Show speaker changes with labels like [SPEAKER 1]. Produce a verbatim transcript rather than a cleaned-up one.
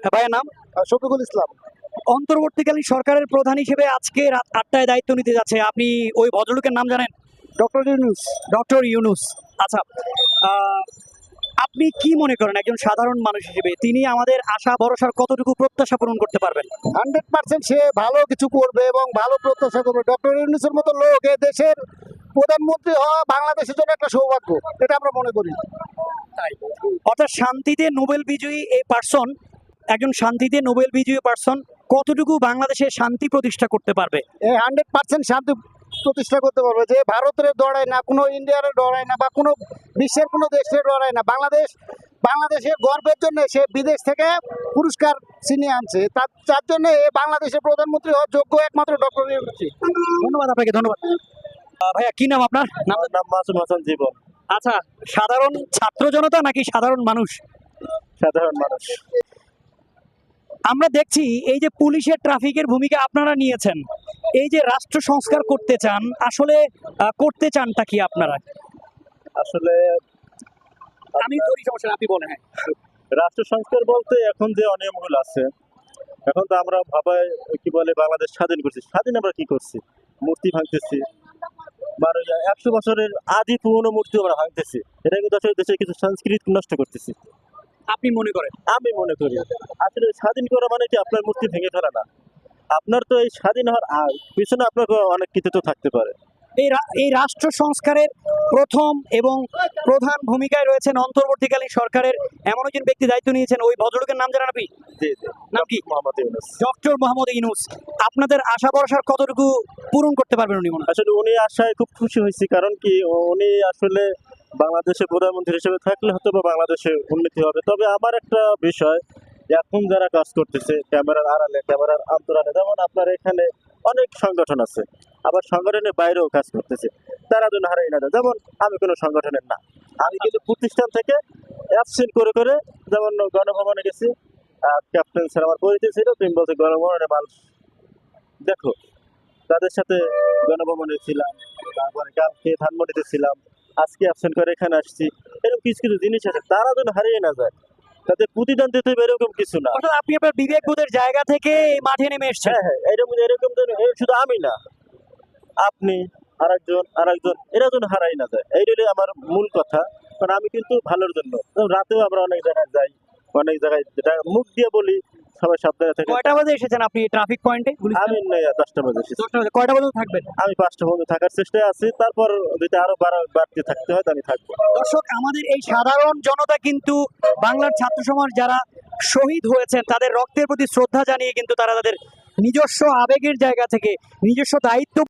[SPEAKER 1] ভাইয়ের নাম?
[SPEAKER 2] শফিকুল ইসলাম।
[SPEAKER 1] অন্তর্বর্তীকালীন সরকারের প্রধান হিসেবে আজকে রাত আটটায় দায়িত্ব নিতে যাচ্ছে, আপনি ওই ভদ্রলোকের নাম জানেন?
[SPEAKER 2] ডক্টর ইউনূস।
[SPEAKER 1] ডক্টর ইউনূস। আচ্ছা, আহ, আপনি কি মনে করেন একজন সাধারণ মানুষ হিসেবে তিনি আমাদের আশা ভরসার কতটুকু প্রত্যাশা পূরণ করতে পারবেন?
[SPEAKER 2] হান্ড্রেড পার্সেন্ট সে ভালো কিছু করবে এবং ভালো প্রত্যাশা করবে। ডক্টর ইউনূসের মতো লোক এ দেশের প্রধানমন্ত্রী হওয়া বাংলাদেশের জন্য একটা সৌভাগ্য, এটা আমরা মনে করি।
[SPEAKER 1] অর্থাৎ শান্তিতে নোবেল বিজয়ী এই পার্সন, একজন শান্তিতে নোবেল বিজয়ী পার্সন কতটুকু বাংলাদেশে শান্তি প্রতিষ্ঠা করতে পারবে?
[SPEAKER 2] এই হান্ড্রেড পার্সেন্ট শান্তি প্রতিষ্ঠা করতে পারবে। যে ভারতের ডরায় না, কোনো ইন্ডিয়ার ডরায় না, বা কোনো বিশ্বের কোনো দেশের ডরায় না। বাংলাদেশ বাংলাদেশের গর্বের জন্য সে বিদেশ থেকে পুরস্কার ছিনিয়ে আনছে। তার তার জন্য এ বাংলাদেশের প্রধানমন্ত্রী হওয়ার যোগ্য একমাত্র ডক্টর ইউনূস।
[SPEAKER 1] ধন্যবাদ আপনাকে, ধন্যবাদ। আহ, ভাইয়া কি নাম আপনার? নাম?
[SPEAKER 3] আমার নাম মাসুম হাসান জীবন।
[SPEAKER 1] আচ্ছা, সাধারণ ছাত্র জনতা নাকি সাধারণ মানুষ?
[SPEAKER 3] সাধারণ মানুষ।
[SPEAKER 1] আমরা দেখছি এই যে পুলিশের ট্রাফিকের ভূমিকা আপনারা নিয়েছেন, এই যে রাষ্ট্র সংস্কার করতে চান, আসলে আহ, করতে চানটা কি আপনারা?
[SPEAKER 3] আসলে
[SPEAKER 1] আমি ধরি, সমস্যা নেই, আপনি বলেন। হ্যাঁ,
[SPEAKER 3] রাষ্ট্র সংস্কার বলতে এখন যে অনিয়মগুলো আছে, এখন তো আমরা ভাবাই কি বলে বাংলাদেশ স্বাধীন করছি। স্বাধীন আমরা কি করছি? মূর্তি ভাঙতেছি, বারো একশো বছরের আদি পুরনো মূর্তি আমরা ভাঙতেছি। এটা কিন্তু আসলে দেশের কিছু সংস্কৃতি নষ্ট করতেছি
[SPEAKER 1] আপনি মনে করেন?
[SPEAKER 3] আমি মনে করি। আসলে স্বাধীন করা মানে কি আপনার মূর্তি ভেঙে ফেলা না। আপনার তো এই স্বাধীন হওয়ার আ- পিছনে আপনার অনেক কিছু তো থাকতে পারে।
[SPEAKER 1] এই রা- এই রাষ্ট্র সংস্কারের প্রথম এবং প্রধান ভূমিকায় রয়েছেন অন্তর্বর্তীকালীন সরকারের এমন একজন ব্যক্তি দায়িত্ব নিয়েছেন, ওই ভদ্রলোকের নাম জানেন আপনি?
[SPEAKER 3] জি জি,
[SPEAKER 1] নাম কি?
[SPEAKER 3] মোহাম্মদ ইউনূস।
[SPEAKER 1] ডক্টর মোহাম্মদ ইউনূস। আপনাদের আশা ভরসার কতটুকু পূরণ করতে পারবেন উনি মনে হয়?
[SPEAKER 3] আসলে উনি আশায় খুব খুশি হয়েছি, কারণ কি উনি আসলে বাংলাদেশের প্রধানমন্ত্রী হিসেবে থাকলে হয়তো বা বাংলাদেশের উন্নতি হবে। তবে আমার একটা বিষয়, এখন যারা কাজ করতেছে ক্যামেরার আড়ালে, ক্যামেরার অন্তরালে, যেমন আপনার এখানে অনেক সংগঠন আছে, আবার সংগঠনের বাইরেও কাজ করতেছে, তারা যেন হারাই না যায়। যেমন আমি কোনো সংগঠনের না, আমি কিন্তু প্রতিষ্ঠান থেকে অ্যাবসেন্ট করে করে, যেমন গণভবনে গেছি, ক্যাপ্টেন স্যার আমার পরিচয় ছিল, তুমি বলছে গণভবনে মাল দেখো, তাদের সাথে গণভবনে ছিলাম, তারপরে কালকে ধানমন্ডিতে ছিলাম, আজকে অ্যাবসেন্ট করে এখানে আসছি। এরকম কিছু কিছু জিনিস আছে, তারা যেন হারিয়ে না যায়, তাদের প্রতিদান দিতে হবে এরকম কিছু না।
[SPEAKER 1] অর্থাৎ আপনি আপনার বিবেকবোধের জায়গা থেকে এই মাঠে নেমে এসেছেন।
[SPEAKER 3] হ্যাঁ হ্যাঁ, এরকম এরকম যেন এ শুধু আমি না, আপনি আরেকজন আরেকজন, এরা যেন হারাই না যায়, এইটাই আমার মূল কথা। কারণ আমি কিন্তু ভালোর জন্য, যেমন রাতেও আমরা অনেক জায়গায় যাই, অনেক জায়গায় যেটা মুখ দিয়ে বলি সবাই সাবধানে থাকে।
[SPEAKER 1] কয়টা বাজে এসেছেন আপনি ট্রাফিক পয়েন্টে?
[SPEAKER 3] আমি নেই, দশটা বাজে এসেছি।
[SPEAKER 1] দশটা বাজে। কয়টা বাজে থাকবেন?
[SPEAKER 3] আমি পাঁচটা পর্যন্ত থাকার চেষ্টায় আছি, তারপর যদি আরো বাড়া বাড়তি থাকতে হয় তো আমি থাকবো।
[SPEAKER 1] দর্শক, আমাদের এই সাধারণ জনতা কিন্তু বাংলার ছাত্র সমাজ যারা শহীদ হয়েছেন তাদের রক্তের প্রতি শ্রদ্ধা জানিয়ে কিন্তু তারা তাদের নিজস্ব আবেগের জায়গা থেকে নিজস্ব দায়িত্ব